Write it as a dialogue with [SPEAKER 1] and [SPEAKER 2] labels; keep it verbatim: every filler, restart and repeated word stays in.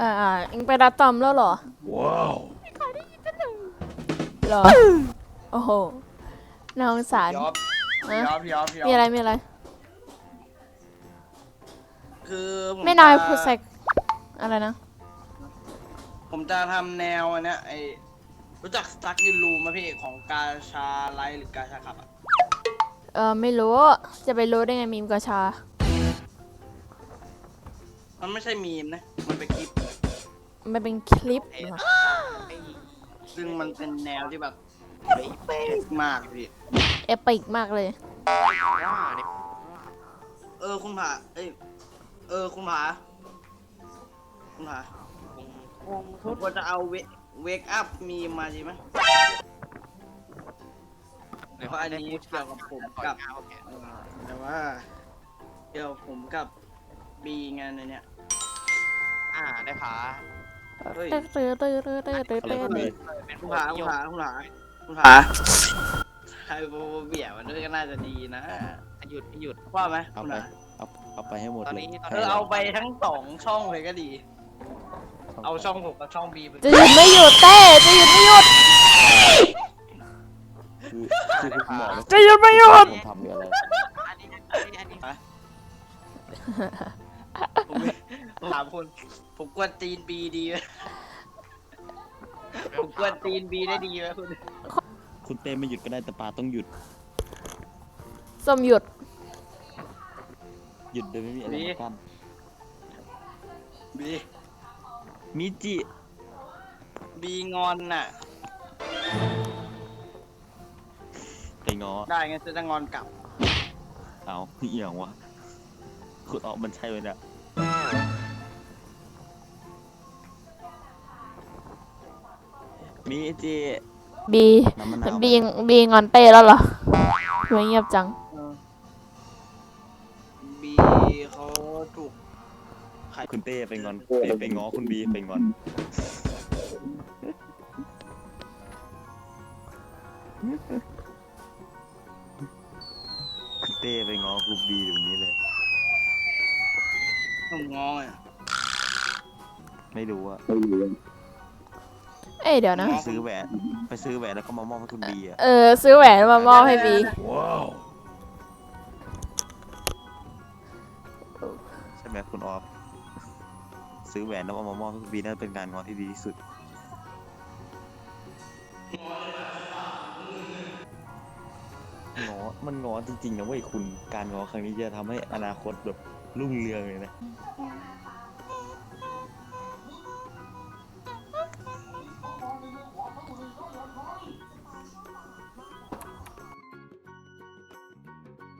[SPEAKER 1] อ่าอ่าเอ็งไปรับตอมแล้วเหรอ
[SPEAKER 2] ว้าว
[SPEAKER 1] เหรอโอ้โหน่าสงสาร
[SPEAKER 3] ยอม
[SPEAKER 1] ฮะ
[SPEAKER 3] ยอมยอมยอม
[SPEAKER 1] มีอะไรมีอะไร
[SPEAKER 3] คือผม
[SPEAKER 1] ไม่น้อย
[SPEAKER 3] จะ
[SPEAKER 1] พูดใส่อะไรนะ
[SPEAKER 3] ผมจะทำแนวอันเนี้ยไอรู้จักสตั๊กยูรูไหมพี่ของกาชาไลท์หรือกาชาขับอ่ะ
[SPEAKER 1] เออไม่รู้จะไปรู้ได้ไงมีมกระชา
[SPEAKER 3] มันไม่ใช่มีมนะมันเป็นคลิป
[SPEAKER 1] มันเป็นคลิปเหรอ
[SPEAKER 3] ซึ่งมันเป็นแนวที่แบบเป๊ะมากพี่
[SPEAKER 1] เอปิกมากเลย
[SPEAKER 3] เออคุณผาเอ้ยเออคุณผาคุณผาผมควรจะเอาเวเวกอัพมีมาใช่ไหมเพราะอันนี้เกี่ยวกับผมกับเออแต่ว่าเกี่ยวกับผมกับบีงานในเนี้ย
[SPEAKER 4] อ่าได้ผา
[SPEAKER 3] เฮ้ย
[SPEAKER 1] ตื้อตื้อตื้อตื้อตื้อตื้อตื้อ
[SPEAKER 4] เป็น
[SPEAKER 3] คุณ
[SPEAKER 4] ผู้
[SPEAKER 3] ผา
[SPEAKER 4] นิ
[SPEAKER 3] คุ
[SPEAKER 4] ย
[SPEAKER 3] ณ
[SPEAKER 4] ม
[SPEAKER 3] ผาคุณผาคุณผาไฮโบเบียมันด้วยก็น่าจะดีนะ
[SPEAKER 4] หยุดไม่หยุด
[SPEAKER 3] ว่าไหม
[SPEAKER 2] เอา
[SPEAKER 3] คุณ
[SPEAKER 2] ไป
[SPEAKER 3] ผา
[SPEAKER 2] เอาเอาไปให้หมด
[SPEAKER 4] ตอน
[SPEAKER 2] เลย
[SPEAKER 4] นี้ตอน
[SPEAKER 3] เอ
[SPEAKER 4] นี้
[SPEAKER 3] อเอาไปทั้งสองช่องเลยก็ดี เอาช่องผมกับช่องบีไป
[SPEAKER 1] จะหยุดไม่หยุดเต้จะหยุดไม่หยุด
[SPEAKER 2] คือคือคุณหมอ
[SPEAKER 1] จะหยุดไม่หยุด
[SPEAKER 2] ผมทำหรืออะไร
[SPEAKER 4] อันนี้อันนี้อันนี้
[SPEAKER 3] ผมผมถามคุณผมกวนตีนบีดีไหมผมกวนตีนบีได้ดีไหมคุณ
[SPEAKER 2] คุณเต้ไม่หยุดก็ได้แต่ปลาต้องหยุด
[SPEAKER 1] ส้มหยุด
[SPEAKER 2] หยุดโดยไม่มีอะไรมากั้น
[SPEAKER 3] บี
[SPEAKER 2] มิจิ
[SPEAKER 3] บีงอนน่ะ
[SPEAKER 2] ไปง้อ
[SPEAKER 3] ได้งั้นจะจะงอนกลับ
[SPEAKER 2] เอาเอี่ยงวะคุณออกมันใช่ไหมเนี่ยมิจิ
[SPEAKER 1] บี
[SPEAKER 2] น้ำมะนาว
[SPEAKER 1] บีบีงอนเต้แล้วเหรอทำไมเงียบจัง
[SPEAKER 3] บีเขาถูก
[SPEAKER 2] คุณเต้ไปงอนไปไปง้อคุณบีไปงอนคุณเต้ไปง้อคุณบีเดี๋ยวนี้เลย
[SPEAKER 3] ผมงออ่ะ
[SPEAKER 2] ไม่รู้อะ
[SPEAKER 1] เอ้ยเดี๋ยวนะ
[SPEAKER 2] ไปซื้อแหวนไปซื้อแหวนแล้วก็มามอบให้คุณบีอะ
[SPEAKER 1] เออซื้อแหวนมามอบให้บี
[SPEAKER 2] ว้าวใช่ไหมคุณออฟซื้อแหวนแล้วเอามามอบให้คุณบีน่าจะเป็นการง้อที่ดีที่สุดง้อมันง้อจริงๆนะเว้ยคุณการง้อครั้งนี้จะทำให้อนาคตแบบรุ่งเรืองเลยนะ